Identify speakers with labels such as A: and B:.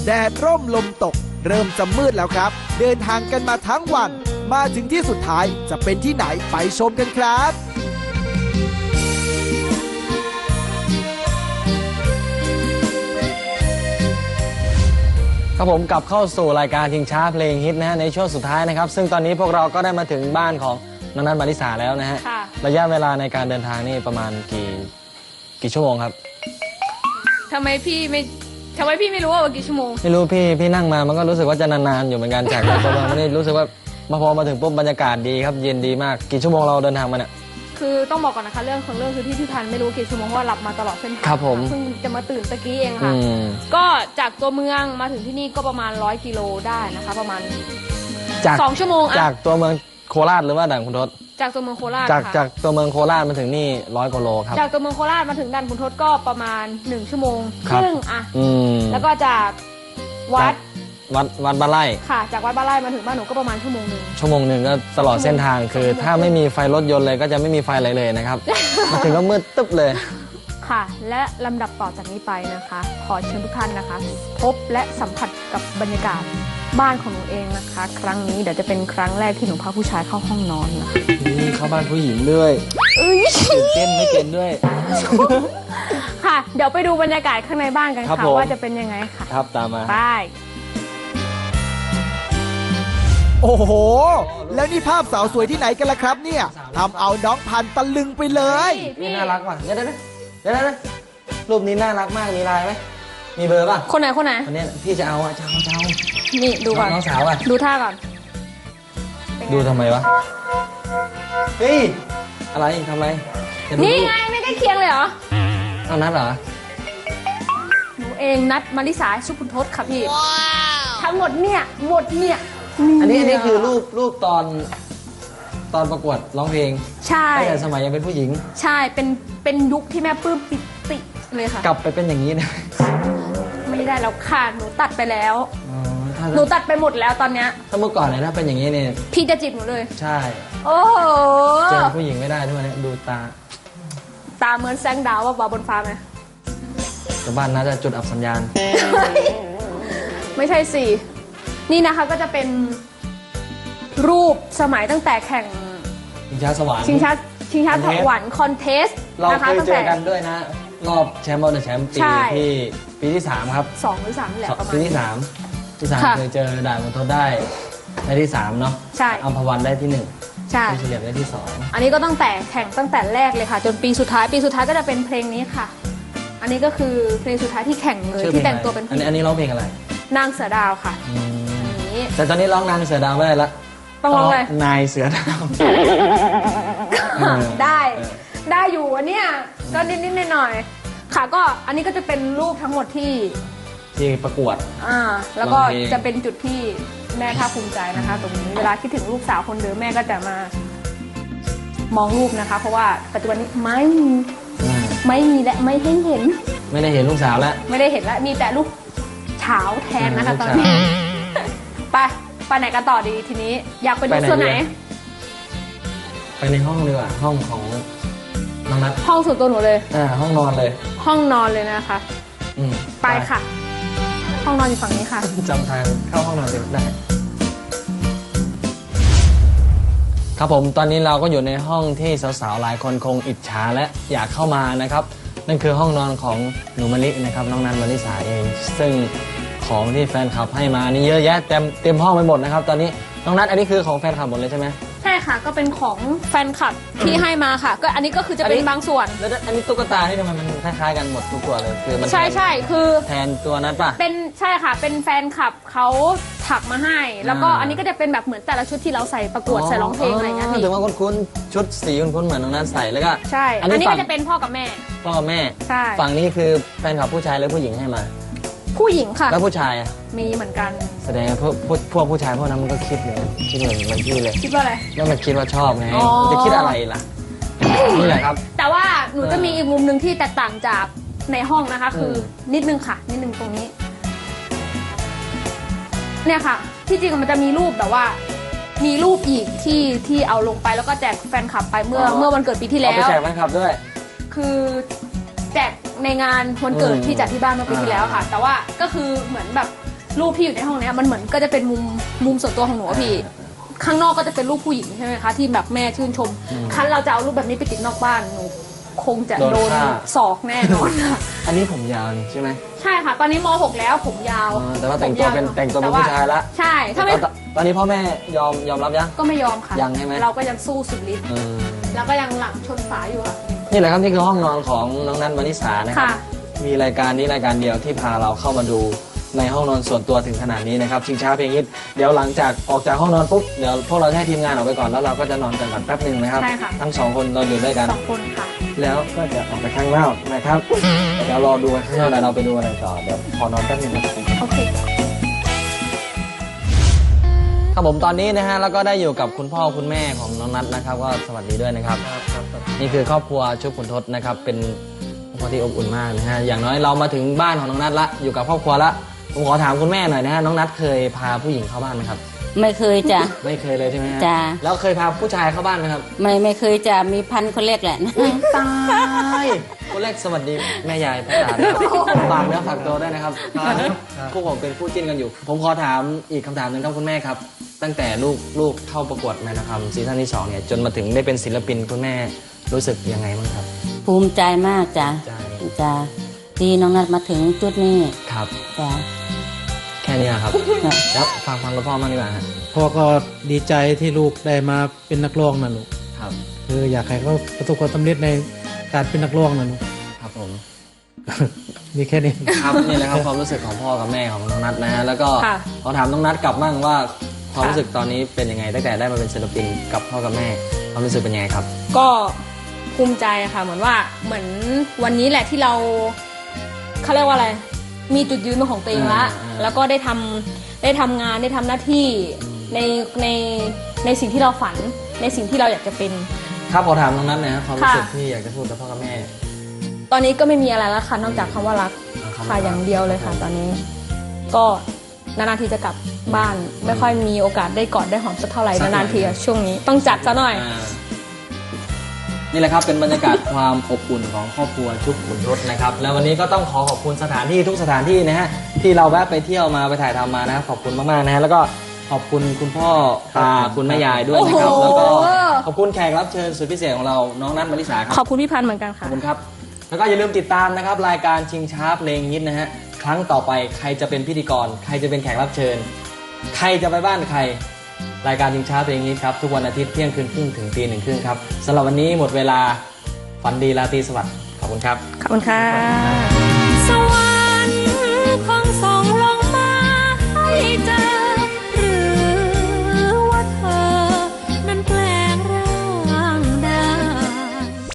A: แดดร่มลมตกเริ่มจะมืดแล้วครับเดินทางกันมาทั้งวันมาถึงที่สุดท้ายจะเป็นที่ไหนไปชมกันครับ
B: ครับผมกลับเข้าสู่รายการชิงช้าเพลงฮิตนะฮะในช่วงสุดท้ายนะครับซึ่งตอนนี้พวกเราก็ได้มาถึงบ้านของน้องนัทมาริสาแล้วนะฮะระยะเวลาในการเดินทางนี่ประมาณกี่ชั่วโมงครับ
C: ทำไมพี่ไม่รู้ว่ากี่ชั่วโมง
B: ไม่รู้พี่นั่งมามันก็รู้สึกว่าจะนานๆอยู่เหมือนกันจากตัวเราไม่ได้รู้สึกว่าพอมาถึงปุ๊บบรรยากาศดีครับเย็นดีมากกี่ชั่วโมงเราเดินทางมาเนี่ย
C: คือต้องบอกก่อนนะคะเรื่องคือที่พี่พันธุ์ไม่รู้กี่ชั่วโมงเพราะว่าหลับมาตลอดเส้นทาง
B: ครับผม
C: เพิ่งจะมาตื่นตะกี้เองค่ะก็จากตัวเมืองมาถึงที่นี่ก็ประมาณ100 กิโลได้นะคะประมาณ2 ชั่วโมง
B: จากตัวเมืองโคราชหรือว่าด่านขุนทด
C: จากตัวเมืองโคราช
B: จากตัวเมืองโคราชมาถึงนี่100 กว่าโลครับ
C: จากตัวเมืองโคราชมาถึงด่านขุนทดก็ประมาณ1 ชั่วโมงครึ่งอะแล้วก็จากวัด
B: บ้านไร่
C: ค่ะจากวัดบ้านไร่มาถึงบ้านหนูก็ประมาณชั่วโมงหนึ่ง
B: ก็ตลอดเส้นทางคือถ้าไม่มีไฟรถยนต์เลยก็จะไม่มีไฟอะไรเลยนะครับ มาถึงก็มืดตึ๊บเลย
C: ค่ะและลำดับต่อจากนี้ไปนะคะขอเชิญทุกท่านนะคะพบและสัมผัสกับบรรยากาศบ้านของหนูเองนะคะครั้งนี้เดี๋ยวจะเป็นครั้งแรกที่หนูพาผู้ชายเข้าห้องนอนนะคะ
B: นี่เข้าบ้านผู้หญิงด้วยตื่นเต้นไม่เต้นด้วย
C: ค่ะเดี๋ยวไปดูบรรยากาศข้างในบ้านกันค่ะว่าจะเป็นยังไงค่ะ
B: ครับตามมา
C: ไป
A: โอ้โหแล้วนี่ภาพสาวสวยที่ไหนกันล่ะครับเนี่ยทำเอาน้องพันตะลึงไปเลย
B: นี่น่ารักว่ะเดี๋ยวรูปนี้น่ารักมากมีลายไหมมีเบอร์ป่ะ
C: คนไหนคน
B: นี้พี่จะเอา
C: นี่ดูก่อน
B: น้องสาวอ่ะ
C: ดูท่าก่อน
B: ดูทำไมวะเฮ้ยอะไรทำไร
C: นี่ไงไม่ใกล้เคียงเลยเหรอ
B: เอานัดเหรอ
C: หนูเองนัดมาริสาสุขุนทศค่ะพี่ทั้งหมดเนี่ย
B: อันนี้คือรูปตอนประกวดร้องเพลง
C: ใช่
B: ตั้งแต่สมัยยังเป็นผู้หญิง
C: ใช่เป็นยุคที่แม่ปลื้มปิติเลยค่ะ
B: กลับไปเป็นอย่างนี้นะ
C: ไม่ได้แล้วค่ะหนูตัดไปแล้วหนูตัดไปหมดแล้วตอนเนี้ย
B: ถ้าเมื่อก่อนเนี่ยถ้าเป็นอย่างนี้เนี่ย
C: พี่จะจีบหนูเลย
B: ใช่
C: โอ้โห
B: เจอผู้หญิงไม่ได้ทุกวันนี้ดูตา
C: เหมือนแสงดาวว่าบนฟ้าไหม
B: แต่บ้านน่าจะจุดอับสัญญาณ
C: ไม่ใช่สินี่นะคะก็จะเป็นรูปสมัยตั้งแต่แข่ง
B: ชิงช้าสวรรค์
C: ชิงช้าสวรรค์คอนเทส
B: เราเคยเจอกันด้วยนะรอบแชมป์บอลแชมป์ปีที่3ครับ
C: 2 หรือ 3นี่แหละประมาณ
B: ปีที่3เคยเจอด่านขุนทดได้ที่3เนาะ
C: ใช่
B: อัมพวันได้ที่1ใช่เฉลี่ยได้ที่2
C: อันนี้ก็ตั้งแต่แข่งตั้งแต่แรกเลยค่ะจนปีสุดท้ายก็จะเป็นเพลงนี้ค่ะอันนี้ก็คือเพลงสุดท้ายที่แข่งเลยที่แต่งตัวเป็น
B: อันนี้ร้องเพลงอะไร
C: นางเสือดาวค่ะ
B: แต่ตอนนี้ร้องนางเสือดาวไม่ได้ละ
C: ต้องร้องอะไร
B: นายเสือดาว
C: ได้อยู่อันเนี้ยก็นิดหน่อยค่ะก็อันนี้ก็จะเป็นรูปทั้งหมดที่
B: ประกวด
C: แล้วก็จะเป็นจุดที่แม่ภาคภูมิใจนะคะตรงนี้เวลาคิดถึงลูกสาวคนเดิมแม่ก็จะมามองรูปนะคะเพราะว่าปัจจุบันนี้ไม่มีและไม่ได้เห็น
B: ลูกสาวแล้ว
C: ไม่ได้เห็นแล้วมีแต่ลูกเฉาแทนนะคะตอนนี้ไปไหนกันต่อดีทีนี้อยากไปดูส่วนไหน
B: ไปในห้องดีกว่าห้องของน้องนัท
C: ห้องส่วนตัวหนูเลย
B: ห้องนอนเลย
C: นะคะไปค่ะห้องนอนอยู่ฝั่งนี้ค่ะ
B: จำทางเข้าห้องนอนได้ครับผมตอนนี้เราก็อยู่ในห้องที่สาวๆหลายคนคงอิจฉาและอยากเข้ามานะครับนั่นคือห้องนอนของหนูมะลินะครับน้องนัทมาริสาเองซึ่งของที่แฟนคลับให้มานี่เยอะแยะเต็มห้องไปหมดนะครับตอนนี้น้องนัทอันนี้คือของแฟนคลับหมดเลยใช่ไหม
C: ใช่ค่ะก็เป็นของแฟนคลับที่ให้มาค่ะก็อันนี้ก็คือจะเป็นบางส่วน
B: แล้วอันนี้ตุ๊กตาที่ทำไมมันคล้ายๆกันหมดทุกตัวเลยคือมัน
C: ใช่คือ
B: แทนตัวนัทป่ะ
C: เป็นใช่ค่ะเป็นแฟนคลับเขาถักมาให้แล้วก็อันนี้ก็จะเป็นแบบเหมือนแต่ละชุดที่เราใส่ประกวดใส่ร้องเพลงอะไรเงี้ย
B: ถึงว่าคุ้นๆชุดสีคุ้นๆเหมือนน้องนัทใส่แล้วก็
C: ใช่อันนี้ก็จะเป็นพ่อกับแม่ใช่
B: ฝั่งนี้คือแฟนคลับผู้ชายหรือผู้หญิงให้มา
C: ผู้หญิงค่ะ
B: แล้วผู้ชาย
C: มีเหมือนกัน
B: แสดงพวกผู้ชายพวกนั้นมันก็คิดเหมือนพี่เลย
C: คิดว่าอะไร
B: แล้วมันคิดว่าชอบไงมันจะคิดอะไรล่ะนี่แหละครับ
C: แต่ว่าหนูจะมีอีกมุมหนึ่งที่แตกต่างจากในห้องนะคะคือนิดนึงตรงนี้เนี่ยค่ะที่จริงมันจะมีรูปแบบว่ามีรูปอีกที่เอาลงไปแล้วก็แจกแฟนคลับไปเมื่อวันเกิดปีที่แล้ว
B: เอาไปแจกแฟนคลับด้วย
C: คือแจกในงานวันเกิดที่จัดที่บ้านเมื่อปีที่แล้วค่ะแต่ว่าก็คือเหมือนแบบรูปที่อยู่ในห้องเนี้ยมันเหมือนก็จะเป็นมุมส่วนตัวของหนูอะพี่ข้างนอกก็จะเป็นรูปผู้หญิงใช่ไหมคะที่แบบแม่ชื่นชมคันเราจะเอารูปแบบนี้ไปติดนอกบ้านหนูคงจะโดนศอกแน่นอนค่ะ
B: อันนี้ผมยาวนี่ใช่ไหม
C: ใช่ค่ะ ตอนนี้ม .6 แล้วผมยาว
B: แต่ว่าแต่งตัวเป็นผู้ชายละ
C: ใช่ถ้าไม่
B: ตอนนี้พ่อแม่ยอมรับยัง
C: ก็ไม่ยอมค่ะ
B: ยังใช่ไหม
C: เราก็ยังสู้สุดฤทธิ์แล้วก็ยังหลังชนฝาอยู่ค่ะ
B: นี่แหละครับนี่คือห้องนอนของน้องนัทวนิสานะครับ
C: ค่ะ
B: มีรายการนี้รายการเดียวที่พาเราเข้ามาดูในห้องนอนส่วนตัวถึงขนาดนี้นะครับชิงช้าเพลงฮิตเดี๋ยวหลังจากออกจากห้องนอนปุ๊บเดี๋ยวพวกเราจะให้ทีมงานออกไปก่อนแล้วเราก็จะนอนกันก่อนแป๊บหนึ่งนะครับ
C: ใช่ค่ะ
B: ทั้งสองคนนอนอยู่ด้วยกัน
C: 2 คนค่ะ
B: แล้วก็จะออกไปข้างนอกนะครับ เดี๋ยวรอดูกันข้างนอกแล้วเราไปดูอะไรต่อเดี๋ยวขอนอนแป๊บนึงนะครับ
C: โอเค
B: ครับผมตอนนี้นะฮะแล้วก็ได้อยู่กับคุณพ่อคุณแม่ของน้องนัทนะครับก็สวัสดีด้วยนะครับนี่คือครอบครัวชุบขุนทศนะครับเป็นครอบครัวที่อบอุ่นมากนะฮะอย่างน้อยเรามาถึงบ้านของน้องนัทละอยู่กับครอบครัวละผมขอถามคุณแม่หน่อยนะฮะน้องนัทเคยพาผู้หญิงเข้าบ้านไหมครับ
D: ไม่เคยจ้ะ
B: ไม่เคยเลยใช่ไหมฮะ
D: จ้ะ
B: แล้วเคยพาผู้ชายเข้าบ้านไหมครับ
D: ไม่เคยจะมีพันคนเล็กแหละนะ
B: ตายคนแรกสวัสดีแม่ยายพ่อตานะครับฝากเนื้อฝากตัวด้วยนะครับคู่ผมเป็นคู่จิ้นกันอยู่ ผมขอถามอีกคำถามหนึ่งครับคุณแม่ครับ ตั้งแต่ลูกเข้าประกวดแม่นะครับซีซั่นที่2เนี่ยจนมาถึงได้เป็นศิลปินคุณแม่รู้สึกยังไงบ้างครับ
D: ภูมิใจมากจ้ะ
B: ใจ
D: จ้ะที่น้องนัดมาถึงจุดนี้
B: ครับ
D: จ้ะ
B: แค่นี้ครับ
D: จ้ะ
B: แล้วฟังคุณพ่อมากดีกว่าฮะ
E: พ่อก็ดีใจที่ลูกได้มาเป็นนักร้องนะลูก
B: ครับ
E: คืออยากให้เขาประสบความสำเร็จในการเป็นนักร้องนะลูก
B: ครับผม
E: มีแค่นี้
B: ครับนี่แหละครับความรู้สึกของพ่อกับแม่ของน้องนัทนะฮะแล้วก็
C: ค่ะ
B: ขอถามน้องนัทกลับบ้างว่าความรู้สึกตอนนี้เป็นยังไงตั้งแต่ได้มาเป็นศิลปินกับพ่อกับแม่ความรู้สึกเป็นยังไงครับ
C: ก็ภูมิใจค่ะเหมือนวันนี้แหละที่เราเขาเรียกว่าอะไร มีจุดยืนเป็นของตัวเองละแล้วก็ได้ทำงานได้ทำหน้าที่ในในสิ่งที่เราฝันในสิ่งที่เราอยากจะเป็น
B: ครับขอถามน้องนัทหนะความรู้สึก
C: ค่ะ
B: ที่อยากจะพูดกับพ่อกับแม่
C: ตอนนี้ก็ไม่มีอะไรแล้วค่ะนอกจากคำว่ารัก
B: คำว่ารั
C: ค่ะ
B: ก
C: อย่างเดียวเลยค่ะ ตอนนี้ ก็นานๆทีจะกลับบ้าน ไม่ค่อยมีโอกาสได้กอดได้หอมสักเท่าไหร่นานๆทีอะช่วงนี้ต้องจัดซะหน่อย
B: นี่แหละครับเป็นบรรยากาศความอบอุ่นของครอบครัวชุบขุนทศนะครับแล้ววันนี้ก็ต้องขอขอบคุณสถานที่ทุกสถานที่นะฮะที่เราแวะไปเที่ยวมาไปถ่ายทำมานะครับขอบคุณมากๆนะฮะแล้วก็ขอบคุณคุณพ่อตาคุณแม่ยายด้วยนะครับ
C: โอ้โห
B: แล้วก็ขอบคุณแขกรับเชิญสุดพิเศษของเราน้องนัทมริสาครับ
C: ขอบคุณพี่พันธ์เหมือนกัน
B: ขอ
C: ค่ะ
B: บคุณครับแล้วก็อย่าลืมติดตามนะครับรายการชิงช้าเพลงฮิตนะฮะครั้งต่อไปใครจะเป็นพิธีกรใครจะเป็นแขกรับเชิญ ใครจะไปบ้านใคร รายการชิงช้าเพลงฮิตครับทุกวันอาทิตย์เที่ยงคืนครึ่งถึงตี 1:30ครับสำหรับวันนี้หมดเวลาฝันดีราตรีสวัสดิ์ขอบคุณครับ
C: ขอบคุณค่ะ